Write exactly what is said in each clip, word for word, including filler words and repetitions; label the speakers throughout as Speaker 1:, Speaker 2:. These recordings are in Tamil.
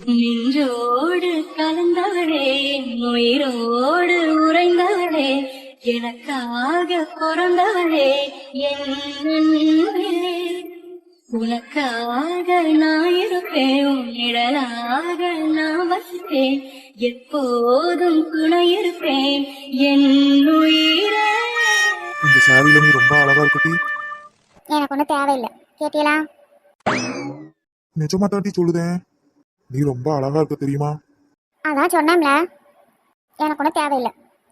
Speaker 1: நின்றோடு கலந்தவளே, உயிரோடு உறைந்தவளே, எனக்காக பிறந்தவளே என் அன்பே. உனக்காக நான் இருப்பேன், உன் நிழலாக நான் வசிப்பேன், எப்போதும் துணை இருப்பேன் என் உயிரே.
Speaker 2: இந்த சாரியில நீ ரொம்ப அழகா இருக்கட்டி.
Speaker 3: எனக்கு ஒன்றும் தேவையில்லை, கேட்டீங்களா?
Speaker 2: நிஜமா தாண்டி சொல்லுதேன், நீ ரொம்ப அழகா இருக்க தெரியுமா?
Speaker 3: அதான் சொன்னேன்ல, எனக்கு ஒன்றும் தேவையில்லை.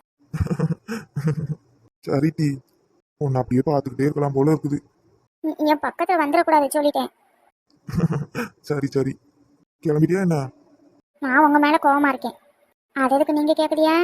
Speaker 2: சரி டி, உன்னை அப்படியே பார்த்துக்கிட்டே இருக்கலாம் போல இருக்குது.
Speaker 3: நீ- என் பக்கத்தில் வந்துடக்கூடாது சொல்லிட்டேன்.
Speaker 2: சரி சரி, கிளம்பிட்டியா என்ன?
Speaker 3: நான் உங்க மேல கோவமா இருக்கேன், அது எதுக்கு நீங்க கேக்குறியா?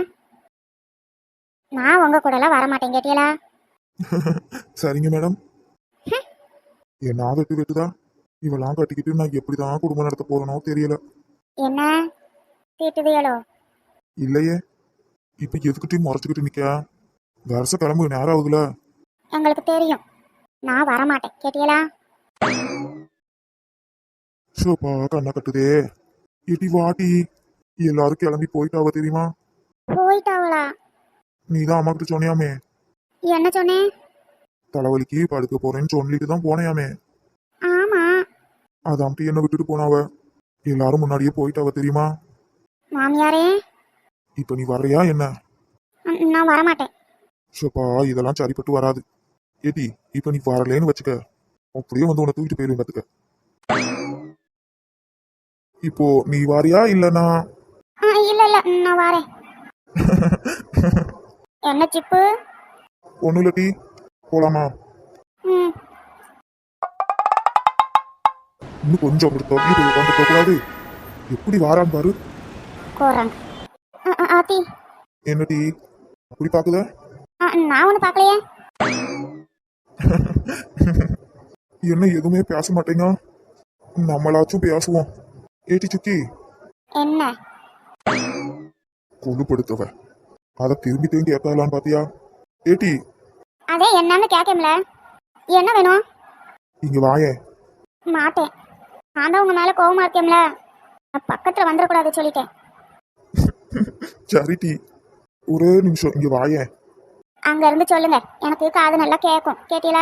Speaker 3: நான் உங்க கூடலாம் வரமாட்டேன், கேட்டீங்களா?
Speaker 2: சரிங்க மேடம். என்ன வெட்டு வெட்டுதா? இவெல்லாம் கட்டிக்கிட்டு நான் எப்படிதான் குடும்பம் நடத்த போறனோ தெரியல.
Speaker 3: என்ன திட்டுதியலோ?
Speaker 2: இல்லையே, இப்ப எதுக்கிட்டையும் முறைச்சுக்கிட்டு நிக்க? வருஷ கிளம்பு நேரம் ஆகுதுல.
Speaker 3: எங்களுக்கு தெரியும், நான் வரமாட்டேன், கேட்டீங்களா?
Speaker 2: ஷோப்பா கண்ணை கட்டுதே. இடி வாட்டி, எல்லாரும் கிளம்பி போயிட்டாவ தெரியுமா?
Speaker 3: போயிட்டாவளா?
Speaker 2: நீதான் அம்மா கிட்ட சொன்னியாமே,
Speaker 3: என்ன சொன்னேன்?
Speaker 2: தலைவலிக்கு படுக்க போறேன்னு சொல்லிட்டு தான் போனையாமே.
Speaker 3: ஆமா.
Speaker 2: அதாம்ட்டி என்ன விட்டுட்டு போனாவ. எல்லாரும் முன்னாடியே போயிட்டாவ தெரியுமா?
Speaker 3: மாமியாரே,
Speaker 2: இப்ப நீ வர்றியா என்ன?
Speaker 3: ம், நான் வரமாட்டேன்.
Speaker 2: ஷோப்பா இதெல்லாம் சரிப்பட்டு வராது. ஏடி இப்ப நீ வரலேன்னு வச்சுக்க, அப்படியே வந்து உன்னை தூக்கிட்டு போயிருவேன் பாத்துக்க. இப்போ நீ வாரியா இல்லனா?
Speaker 3: ஆ, இல்ல இல்ல, நான் வரேன். என்ன சிப்பு?
Speaker 2: ஒண்ணு இல்ல டி, போலாமா?
Speaker 3: ம்,
Speaker 2: இன்னும் கொஞ்சம் அப்படி தொகை போய் உட்காந்து போகக்கூடாது. எப்படி வாரான்னு பாரு.
Speaker 3: கோறாங்க. ஆ, ஆ, ஆத்தி,
Speaker 2: என்ன டி அப்படி பாக்குத?
Speaker 3: ஆ, நான் ஒன்றும் பார்க்கலையே.
Speaker 2: என்ன எதுவுமே பேச மாட்டேங்க? நம்மளாச்சும் பேசுவோம். ஏட்டி சுக்கி
Speaker 3: என்ன?
Speaker 2: கொழுப்படுத்தவ, அதை திரும்பி திரும்பி கேட்கலான்னு பாத்தியா? ஏட்டி
Speaker 3: அதே என்னன்னு கேட்கல. என்ன வேணும்?
Speaker 2: இங்க வாயே.
Speaker 3: மாட்டேன், நான் தான் உங்க மேல கோவமா இருக்கேன்ல, நான் பக்கத்துல வந்துடக்கூடாது சொல்லிட்டேன்.
Speaker 2: சரி டி, ஒரே நிமிஷம் இங்க வாயே.
Speaker 3: அங்க இருந்து சொல்லுங்க, எனக்கு காது நல்லா கேட்கும், கேட்டீங்களா?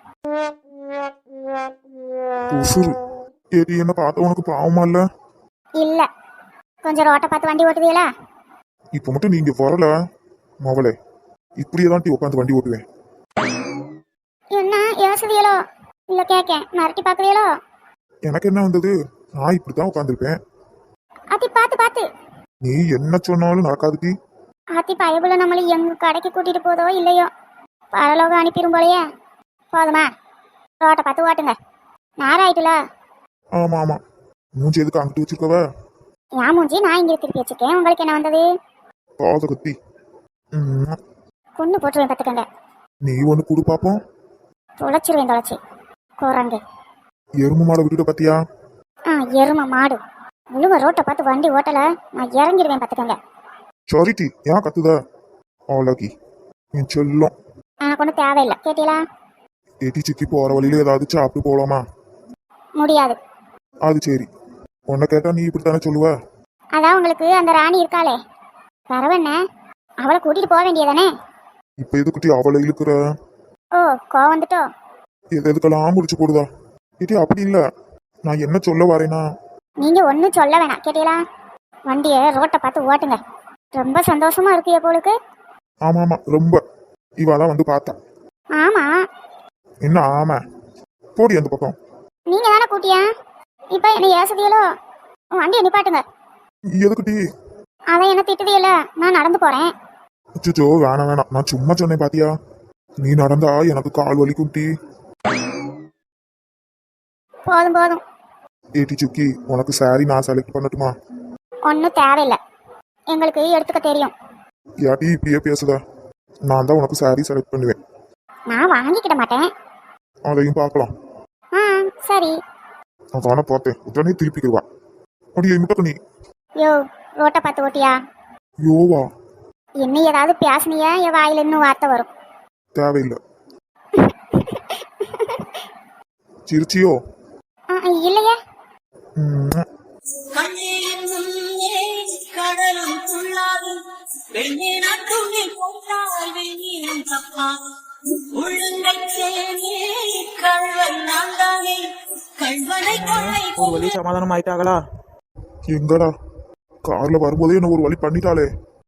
Speaker 2: உசுறு. ஏட்டி என்ன பார்த்த உனக்கு பாவமா இல்ல?
Speaker 3: இல்ல, கொஞ்சம் ரோட்டை பார்த்து வண்டி ஓட்டுவீங்களா?
Speaker 2: இப்ப மட்டும் நீங்க வரல மவளே, இப்படியேதான் டி உட்காந்து வண்டி ஓட்டுவேன்.
Speaker 3: என்ன யோசுதியலோ? இல்ல கேட்கேன், மிரட்டி பாக்குறீங்களோ?
Speaker 2: எனக்கு என்ன வந்தது, நான் இப்படித்தான் உட்காந்துருப்பேன்.
Speaker 3: அத்தி பார்த்து பார்த்து.
Speaker 2: நீ என்ன சொன்னாலும் நடக்காது டி.
Speaker 3: அத்தி பயபுல நம்மள எங்க கடைக்கு கூட்டிட்டு போதோ இல்லையோ, பரலோகம் அனுப்பிடும் போலயே. போதுமா, ரோட்டை பார்த்து ஓட்டுங்க, நேரம் ஆயிட்டுல.
Speaker 2: ஆமா ஆமா, மூஞ்சி எதுக்கு அங்கிட்டு வச்சிருக்கவ?
Speaker 3: என் மூஞ்சி நான் இங்க திருப்பி வச்சுக்கேன், உங்களுக்கு என்ன வந்தது?
Speaker 2: பாத கத்தி. ம்,
Speaker 3: கொண்டு போட்டுருவேன் பார்த்துக்கங்க.
Speaker 2: நீ ஒண்ணு குடு பாப்போம்.
Speaker 3: தொலைச்சிருவேன், தொலைச்சி குரங்கு.
Speaker 2: எருமை மாடை விட்டுட்ட பாத்தியா?
Speaker 3: ஆ, எருமை மாடு. முழுவ ரோட்டை பார்த்து வண்டி ஓட்டல, நான் இறங்கிடுவேன் பார்த்துக்கங்க.
Speaker 2: சாரிட்டி, ஏன் கத்துத? அவ்வளோக்கி என் செல்லம்.
Speaker 3: எனக்கு ஒன்றும் தேவையில்லை, கேட்டீங்களா?
Speaker 2: ஏட்டி சிக்கி போற வழியில ஏதாவது சாப்பிட்டு போலாமா?
Speaker 3: முடியாது.
Speaker 2: அது சரி, உன்னை கேட்டா நீ இப்படித்தானே சொல்லுவ.
Speaker 3: அதான் உங்களுக்கு அந்த ராணி இருக்காளே, பரவண்ண, அவளை கூட்டிட்டு போக வேண்டியதானே?
Speaker 2: இப்ப எதுக்குட்டி அவளை இழுக்கிற?
Speaker 3: ஓ, கோவம் வந்துட்டோ?
Speaker 2: எது எதுக்கெல்லாம் முடிச்சு போடுதா? ஏட்டி அப்படி இல்ல, நான் என்ன சொல்ல வரேனா?
Speaker 3: நீங்க ஒன்றும் சொல்ல வேணாம், கேட்டீங்களா? வண்டியை ரோட்டை பார்த்து ஓட்டுங்க. ரொம்ப சந்தோஷமா இருக்கு எப்போலுக்கு.
Speaker 2: ஆமா ஆமா, ரொம்ப. இவாதான் வந்து பார்த்தா.
Speaker 3: ஆமா,
Speaker 2: என்ன ஆமா? போடி அந்த பக்கம்.
Speaker 3: நீங்க தானே கூட்டியா? இப்ப என்ன ஏசுதியலோ? வண்டியை நிப்பாட்டுங்க.
Speaker 2: எதுக்குட்டி?
Speaker 3: அதான் என்ன திட்டுதியல, நான் நடந்து போறேன்.
Speaker 2: அச்சோ வேணாம் வேணாம், நான் சும்மா சொன்னேன் பாத்தியா? நீ நடந்தா எனக்கு கால் வலிக்கும் டி.
Speaker 3: போதும் போதும்.
Speaker 2: ஏட்டி சுக்கி, உனக்கு சாரி நான் செலக்ட் பண்ணட்டுமா?
Speaker 3: ஒன்றும் தேவையில்லை, எங்களுக்கு எடுத்துக்க தெரியும்.
Speaker 2: யாட்டி இப்படியே பேசுத? நான் தான் உனக்கு சாரி செலக்ட் பண்ணுவேன்.
Speaker 3: நான் வாங்கிக்கிட மாட்டேன்.
Speaker 2: அதையும் பார்க்கலாம்.
Speaker 3: ஆ, சரி.
Speaker 2: அதான பார்த்தேன், உடனே திருப்பிக்கிடுவா. அப்படியே முட்டக்க நீ.
Speaker 3: யோ, ரோட்டை பார்த்து ஓட்டியா?
Speaker 2: யோவா,
Speaker 3: இன்னும் ஏதாவது பேசுனியா என் வாயில இன்னும் வார்த்தை வரும்.
Speaker 2: தேவையில்லை. சிரிச்சியோ?
Speaker 3: ஆ, இல்லையே.
Speaker 2: ம்.
Speaker 1: கண்ணே
Speaker 4: சொல்லி சமாதானம் ஆயிட்டாங்களா?
Speaker 2: எங்கடா கார்ல வரும்போதே என்ன ஒரு வழி பண்ணிட்டாளே.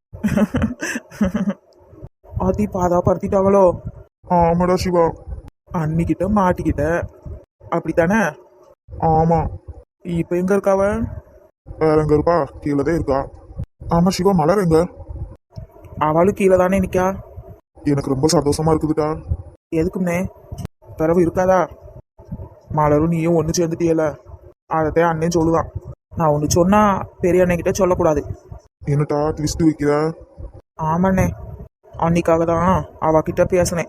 Speaker 4: ஆத்தி பாதா படுத்திட்டாங்களோ?
Speaker 2: ஆமாடா சிவா.
Speaker 4: அன்னிக்கிட்ட மாட்டிக்கிட்ட அப்படித்தானே?
Speaker 2: ஆமா.
Speaker 4: இப்ப எங்க இருக்காவ?
Speaker 2: வேற எங்க இருப்பா? கீழே தான் இருக்கா. ஆமா சிவா, மலர் எங்க?
Speaker 4: அவளும் கீழே தானே நிக்கா.
Speaker 2: எனக்கு ரொம்ப சந்தோஷமா இருக்குதுடா.
Speaker 4: எதுக்கும்னே பிறவு இருக்காதா? மலரும் நீயும் ஒன்று சேர்ந்துட்டியல, அதைத்தான் அண்ணன் சொல்லுவான். நான் ஒன்று சொன்னா பெரிய அண்ணன் கிட்ட சொல்லக்கூடாது.
Speaker 2: என்னட்டா ட்விஸ்ட் வைக்கிற?
Speaker 4: ஆமாண்ணே, அன்னிக்காக தான் அவகிட்ட பேசினேன்.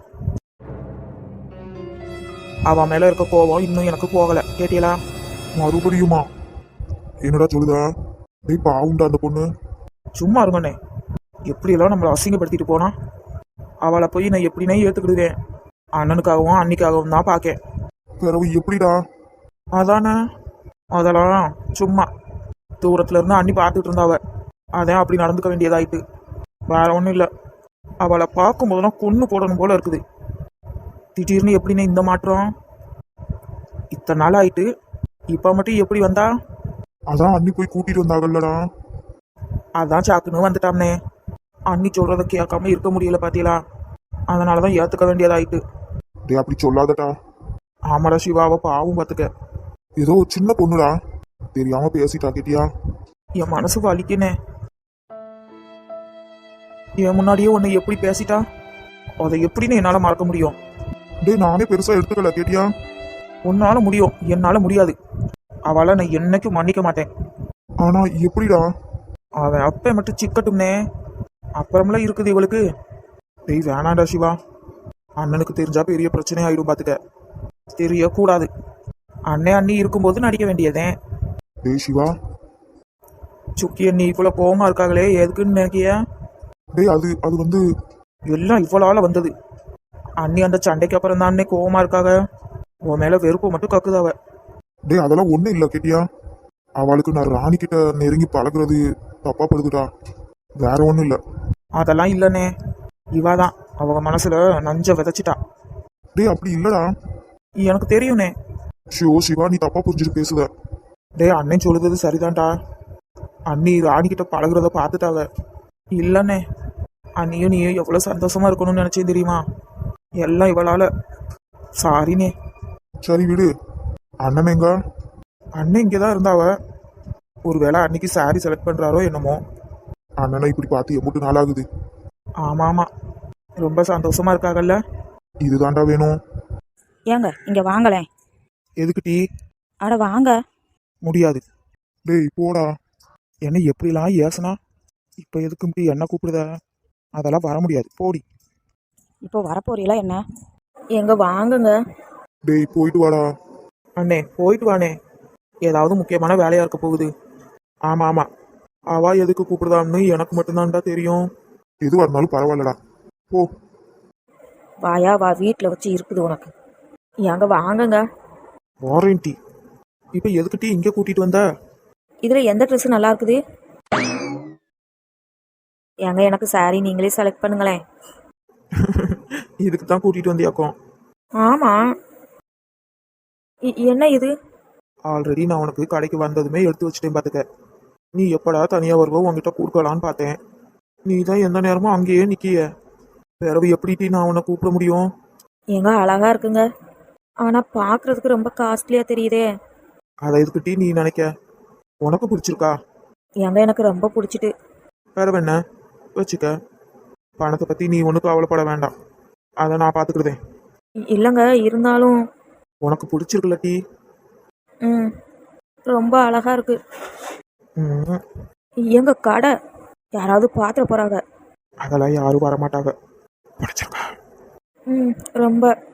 Speaker 4: அவன் மேல இருக்க கோவம் இன்னும் எனக்கு போகல. கேட்டியலா?
Speaker 2: மறுபடியுமா? என்னடா சொல்லுதா? டேய் பாவுண்டா அந்த பொண்ணு.
Speaker 4: சும்மா இருங்கண்ணே, எப்படியெல்லாம் நம்மளை அசிங்கப்படுத்திட்டு போனா அவளை போய் நான் எப்படின்னே ஏற்றுக்கிடுவேன். அண்ணனுக்காகவும் அன்னிக்காகவும் தான் பார்க்கேன்.
Speaker 2: பிறவு எப்படிடா?
Speaker 4: அதானே, அதெல்லாம் சும்மா தூரத்துல இருந்து அண்ணி பார்த்துட்டு இருந்தாவ, அதான் அப்படி நடந்துக்க வேண்டியதாயிட்டு. வேற ஒன்றும் இல்லை, அவளை பார்க்கும்போதெல்லாம் கொன்று போடணும் போல இருக்குது. திடீர்னு எப்படின்னு இந்த மாற்றம்? இத்தனை நாள் ஆயிட்டு இப்போ மட்டும் எப்படி வந்தா?
Speaker 2: அதான் அண்ணி போய் கூட்டிட்டு வந்தாங்கல்லடா.
Speaker 4: அதான் சாக்குன்னு வந்துட்டாம்னே. அண்ணி சொல்றத கேட்காம இருக்க முடியல பாத்தீங்களா? அதனாலதான் ஏத்துக்க வேண்டியதாயிட்டு.
Speaker 2: டேய் அப்படி சொல்லாதடா.
Speaker 4: ஆமாடா சிவாவை பாவும் பார்த்துக்க.
Speaker 2: ஏதோ ஒரு சின்ன பொண்ணுடா, தெரியாம பேசிட்டா. கேட்டியா?
Speaker 4: என் மனசு வலிக்குனே. என் முன்னாடியே உன்னை எப்படி பேசிட்டா, அதை எப்படின்னு என்னால மறக்க முடியும்?
Speaker 2: டேய் நானே பெருசா எடுத்துக்கல. கேட்டியா?
Speaker 4: உன்னால முடியும், என்னால முடியாது. அவளை நான் என்னைக்கும் மன்னிக்க மாட்டேன்.
Speaker 2: ஆனா எப்படிடா?
Speaker 4: அவன் அப்ப மட்டும் சிக்கட்டும்னே, அப்புறமெல்லாம் இருக்குது இவளுக்கு. டேய் வேணாண்டா சிவா, அண்ணனுக்கு தெரிஞ்சா பெரிய பிரச்சனை ஆயிடும் பாத்துக்க. தெரியக்கூடாது. அண்ணே அண்ணி இருக்கும்போது நடிக்க வேண்டியதே.
Speaker 2: டேய் சிவா.
Speaker 4: சுக்கி அண்ணி இவ்வளவு கோவமா இருக்காங்களே, எதுக்குன்னு நினைக்கிய?
Speaker 2: டேய் அது அது வந்து
Speaker 4: எல்லாம் இவ்வளோ வந்தது. அண்ணி அந்த சண்டைக்கு அப்புறம் தான் அண்ணே கோவமா இருக்காங்க. உன் மேல வெறுப்பு மட்டும் கக்குதாவ.
Speaker 2: டேய் அதெல்லாம் ஒண்ணும் இல்ல. கேட்டியா? அவளுக்கு நான் ராணி கிட்ட நெருங்கி பழகுறது தப்பா படுதுடா. வேற ஒண்ணும் இல்ல.
Speaker 4: அதெல்லாம் இல்லனே, இவாதான் அவங்க மனசுல நஞ்ச விதைச்சிட்டா.
Speaker 2: டேய் அப்படி இல்லடா.
Speaker 4: எனக்கு தெரியும்னே.
Speaker 2: ஷியோ சிவா, நீ தப்பா புரிஞ்சுட்டு பேசுத.
Speaker 4: டேய் அண்ணன் சொல்லுறது சரிதான்டா. அண்ணி ராணி கிட்ட பழகுறத பார்த்துட்டாவ. இல்லண்ணே, அண்ணியும் நீயும் எவ்வளவு சந்தோஷமா இருக்கணும்னு நினைச்சேன் தெரியுமா? எல்லாம் இவளால. சாரினே.
Speaker 2: சரி விடு. அண்ணன் எங்க?
Speaker 4: அண்ணன் இங்கதான் இருந்தாவ. ஒருவேளை அன்னைக்கு சாரி செலக்ட் பண்றாரோ என்னமோ.
Speaker 2: அண்ணனை இப்படி பார்த்து எம்புட்டு நாளாகுது.
Speaker 4: ஆமா ஆமா, ரொம்ப சந்தோஷமா இருக்காங்கல்ல.
Speaker 2: இதுதான்டா வேணும்.
Speaker 5: ஏங்க இங்க வாங்களேன்.
Speaker 4: எதுக்கு டீ?
Speaker 5: அட வாங்க.
Speaker 4: முடியாது.
Speaker 2: டேய் போடா.
Speaker 4: என்ன எப்படிலாம் ஏசனா, இப்ப எதுக்கும் டீ என்ன கூப்பிடுத? அதெல்லாம் வர முடியாது, போடி.
Speaker 5: இப்போ வரப்போறீங்களா என்ன? எங்க வாங்குங்க.
Speaker 2: டேய் போயிட்டு வாடா.
Speaker 4: அண்ணே போயிட்டு வானே, ஏதாவது முக்கியமான வேலையா இருக்க போகுது. ஆமா ஆமா, அவா எதுக்கு கூப்பிடுதான்னு எனக்கு மட்டும்தான்டா தெரியும்.
Speaker 2: எதுவா இருந்தாலும் பரவாயில்லடா, போ.
Speaker 5: வாயா வா, வீட்டில் வச்சு இருக்குது உனக்கு. எங்க வாங்குங்க.
Speaker 4: வாரண்டி. இப்ப எதுக்கு டீ இங்க கூட்டிட்டு வந்த?
Speaker 5: இதுல எந்த ட்ரெஸ் நல்லா இருக்குது? ஏங்க எனக்கு சாரி நீங்களே செலக்ட் பண்ணுங்களேன்.
Speaker 4: இதுக்கு தான் கூட்டிட்டு வந்தியாக்கும்.
Speaker 5: ஆமா. இ- என்ன இது?
Speaker 4: ஆல்ரெடி நான் உனக்கு கடைக்கு வந்ததுமே எடுத்து வச்சுட்டேன் பாத்துக்க. நீ எப்படா தனியா வருவோ உன்கிட்ட கொடுக்கலான்னு பார்த்தேன். நீ தான் எந்த நேரமும் அங்கேயே நிக்கிய. பிறவு எப்படி டீ நான் உன்னை கூப்பிட முடியும்?
Speaker 5: ஏங்க அழகா இருக்குங்க, ஆனா பாக்குறதுக்கு ரொம்ப காஸ்ட்லியா தெரியுதே.
Speaker 4: அதை எதுக்கு டீ நீ நினைக்க? உனக்கு பிடிச்சிருக்கா?
Speaker 5: ஏங்க எனக்கு ரொம்ப பிடிச்சிட்டு.
Speaker 4: வேற என்ன வச்சுக்க. பணத்தை பத்தி நீ ஒன்றும் கவலைப்பட வேண்டாம், அதை நான் பார்த்துக்கிடுதேன்.
Speaker 5: இ- இல்லைங்க, இருந்தாலும்
Speaker 4: உனக்கு பிடிச்சிருக்குல்ல டீ?
Speaker 5: ம் ரொம்ப அழகா இருக்கு.
Speaker 4: ம்,
Speaker 5: எங்க கடை யாராவது பாத்திர போறாங்க.
Speaker 4: அதெல்லாம் யாரும் வரமாட்டாங்க. பிடிச்சிருக்கா?
Speaker 5: ம் ரொம்ப